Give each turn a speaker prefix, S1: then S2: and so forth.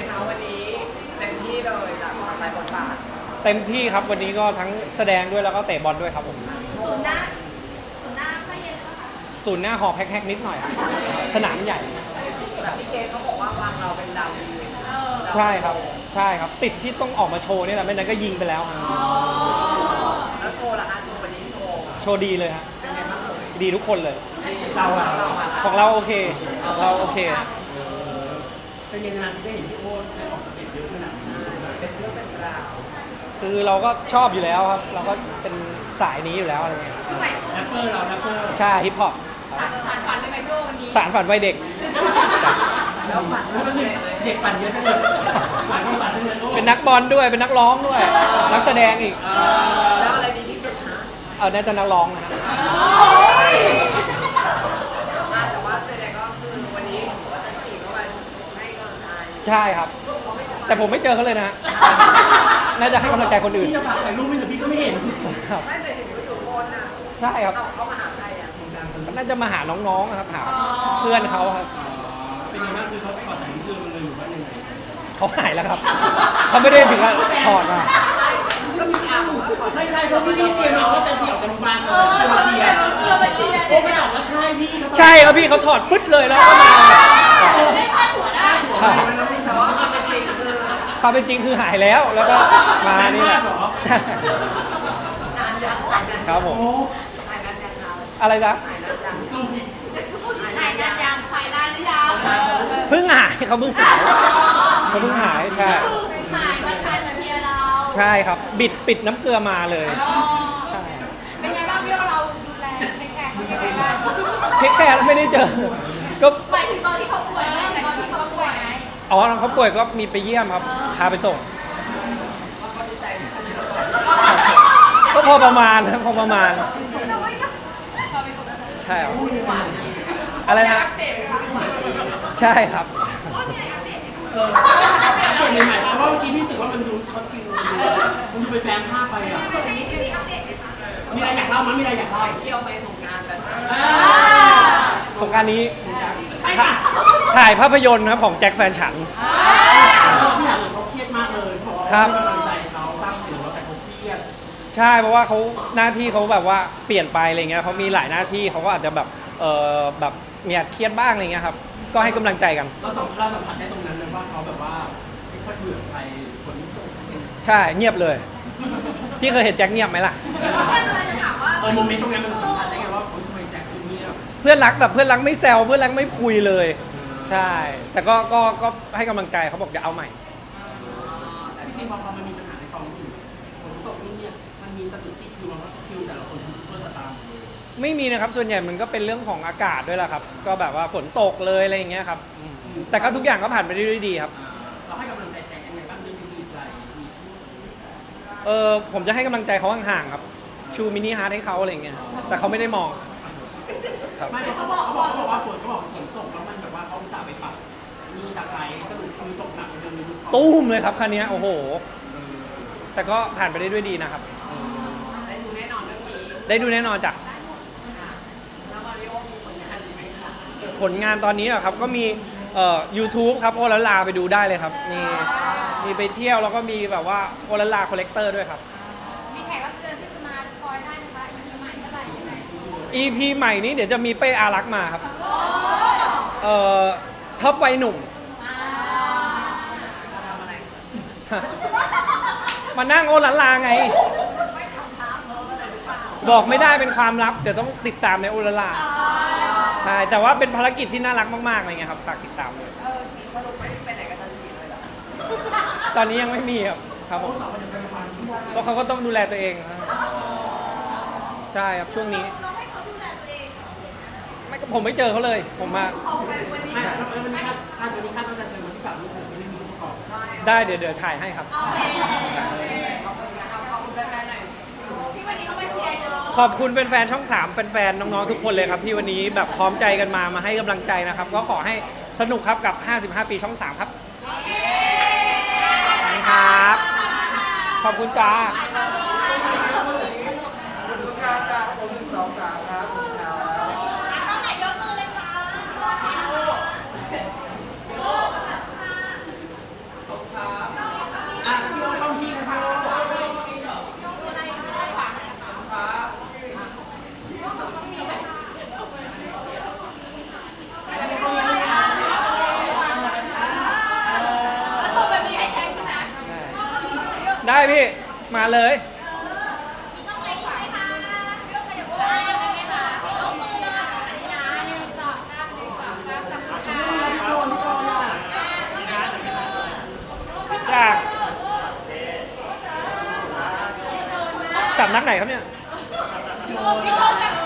S1: คะวันนี้เต็มที่เลยจากหลายบทบาท
S2: เต็มที่ครับวันนี้ก็ทั้งแสดงด้วยแล้วก็เตะบอลด้วยครับผม
S3: ศูนย์หน้าไม่เย็นแล้วค่ะ
S2: ศูนย์หน้าหอกแฮกๆนิดหน่อยสนามใหญ่
S1: แต่พี่เกณเขาบอกว่าวางเราเป็นดาวดี
S2: ใช่ครับใช่ครับติดที่ต้องออกมาโชว์นี่แหละไม่นั้นก็ยิงไปแล้วครับ
S1: แล้วโชว์ล่ะคะโชว์วันนี้โชว์
S2: ดีเลยครับ
S1: เป็นไงบ้าง
S2: ดีทุกคนเลย
S1: เรา
S2: ของเราโอเคเราโอเค
S1: เป็นยังไงที่ได้เห็นพี่โอ๊ตได้ออกสเต็ปเยอะขนาดนี้เป็นเรื่องเป็นราว
S2: คือเราก็ชอบอยู่แล้วครับเราก็เป็นสายนี้อยู่แล้วอะไรเงี้ย
S1: แรปเปอร์เราแรปเปอร์
S2: ใช่ฮิปฮอป
S3: สารฝันเลยไหมพี่โอ๊ตวันนี้
S2: สารฝันวัยเด็ก
S1: แล้วฝันเด็กฝันเยอะจังเลยฝันฝันเยอะ
S2: เป็นนักบอลด้วยเป็นนักร้องด้วยนักแสดงอีก
S1: แล้วอะไรดีที่สุดฮะ
S2: น่าจะนักร้องนะฮะ
S1: แต่ว่าแสดงก็คือวันนี้ว่าจะจีบเข้าไปให้กำลังใจ
S2: ใช่ครับแต่ผมไม่เจอเขาเลยนะน่าจะให้กำลังใจคนอื่น
S1: พี่จะฝากถ่ายรูปไม่แต่พี่ก็ไม่เห็นไม่แต่เห็นอยู่บนน่ะ
S2: ใช่ครับ
S1: เขามาหาใครอ่ะ
S2: น่าจะมาหาน้องๆนะครับหาเพื่อนเขาครับ
S1: เป็นยังไงคือเขาไปขอสายเพื่อนมันเลยหรือว่ายังไง
S2: เขาหายแล้วครับเขาไม่ได้ถึงกับถอดมา
S1: ไม่ใช่เพราะพี่เตรียมมาว่าจะเที่ยวกันบ้านเราเชียร์โอ้ไม่บอกว่าใช่พี่
S2: ใช่ครับพี่เขาถอดปึ๊ดเลยแล้วก็มา
S3: ไม่พลาดหัวได้
S2: ใช่ความเป็นจริงคือหายแล้วแล้วก็มานี่แหละใช่ครับผมอะไรนะ
S3: ถ่ายนานยังถ่ายนานหรือยัง
S2: เพิ่งหายเขาเพิ่งหายใช่
S3: หายมาทานมาเมียเรา
S2: ใช่ครับปิดน้ำเกลือมาเลยใช่
S3: เป็นไงบ้างพี่เราดูแลเทคแคร์เขายังไงบ้าง
S2: เทคแคร์ไม่ได้เจอก็
S3: หมายถึงตอนที่เขาป่วยไหมตอนที่เขาป่วยไหม
S2: อ๋อเขาป่วยก็มีไปเยี่ยมครับพาไปส่งก็พอประมาณใช่ครับอะไรนะใช่ครับ
S1: เปลี่ยนใหม่เพราะว่าเมื่อกี้พี่รู้สึกว่ามันดูคอนฟิวมันดูไปแฟนภาพไปอ่ะมีอะไรอยากเล่ามั้ยมีอะไรอยากเล่าเที่ยวไปสงกรานต์กัน
S2: สงกรานต์นี้
S1: ใช่ค่ะ
S2: ถ่ายภาพยนตร์ครับของแจ็คแฟนฉัน
S1: พี่ถามเลยเขาเครียดมากเลย
S2: ครับ
S1: กำลังใจเขาสร้างสิ่งแล้วแต่เขาเครียด
S2: ใช่เพราะว่าเขาหน้าที่เขาแบบว่าเปลี่ยนไปอะไรเงี้ยเขามีหลายหน้าที่เขาก็อาจจะแบบแบบมีเครียดบ้างอะไรเงี้ยครับก็ให้กำลังใจกัน
S1: เราสัมผัสได้ตรงนั้นเลยว่าเขาแบบว่าไม่ค่อยเบื่อใครคนที่
S2: ใช่เงียบเลยพี่เคยเห็นแจ็คเงียบไหมล่ะ
S3: เพื่อนอะไรจะถามว่า
S1: โมเมนต์ตรงนั้นมันสัมผัสได้ไงว่าทำไมแจ็คเงียบ
S2: เพื่อนรักแบบเพื่อนรักไม่แซวเพื่อนรักไม่คุยเลยใช่แต่ก็ให้กำลังใจเขาบอกจะเอาใหม่
S1: แต่จริงๆพอมันมีปัญหาในกองอยู่ผมตกเนี่ยมันมีสถิติคิวว่าคิวแต่ละคนคือซุปเปอร์สตาร์
S2: ไม่มีนะครับส่วนใหญ่มันก็เป็นเรื่องของอากาศด้วยแหละครับก็แบบว่าฝนตกเลยอะไรอย่างเงี้ยครับแต่ก็ทุกอย่างก็ผ่านไปได้ด้วยดีครับ
S1: เราให้กำลังใจแจ็คยังไงบ้างเรื่องดีๆอะไร
S2: ผมจะให้กำลังใจเขาห่างๆครับชูมินิฮาร์ทให้เขาอะไรเงี้ยแต่เขาไม่ได้มอง
S1: ไม่เขาบอกว่าฝนตกแล้วมันแบบว่าเขาสาไปปรับมีตะไคร้สรุปคือตกหนักเดือนนึง
S2: ตุ้มเลยครับคันนี้โอ้โหแต่ก็ผ่านไปได้ด้วยดีนะครับ
S1: ได้ดูแน่นอนเรื่องนี้
S2: ได้ดูแน่นอนจ้ะผลงานตอนนี้อะครับก็มีYouTube ครับโอละลาไปดูได้เลยครับมีไปเที่ยวแล้วก็มีแบบว่าโอละลาคอลเลกเตอร์ด้วยครับ
S3: มีแขกรับเชิญที่จะมาคอยได้ไหมคะ EP ใหม่เมื่อไหร่ยังไง
S2: EP ใหม่นี้เดี๋ยวจะมีเป้อารักษ์มาครับท็อปวัยหนุ่มมานั่งโอละลาไงบอกไม่ได้เป็นความลับเดี๋ยวต้องติดตามในโอละลาใช่แต่ว่าเป็นภารกิจที่น่ารักมากๆอะไรเงี้ยครับฝากติดตามเลย
S1: สรุปไม่ไปไหนกันตอนจีนเลยหรอ
S2: ตอนนี้ยังไม่มีครับผมเพราะเขาก็ต้องดูแลตัวเองใช่ครับช่วงนี้
S3: เราให้เขาดูแลตัวเอง
S2: ไม่ก็ผมไม่เจอเขาเลยผมมา
S1: วันนี้คาดว่าจะเจอวันที่ฝากลูกผมไม่ได้มีลูกประกอบ
S2: ได้เดี๋ยวถ่ายให้ครับขอบคุณแฟนๆช่อง3แฟนๆน้องๆทุกคนเลยครับที่วันนี้แบบพร้อมใจกันมาให้กำลังใจนะครับก็ขอให้สนุกครับกับ55 ปีช่อง3ครับครับขอบคุณจ้ามาเลย
S3: ต้องไปไหมคะยกขยับได้ไหมคะยกมือเลยตรงไหนนะ1 2 3 1 2 3จับขา
S1: โชว์โชว์อ่ะ
S2: จากสำนักไหนครับเนี่ย
S3: โยกกัน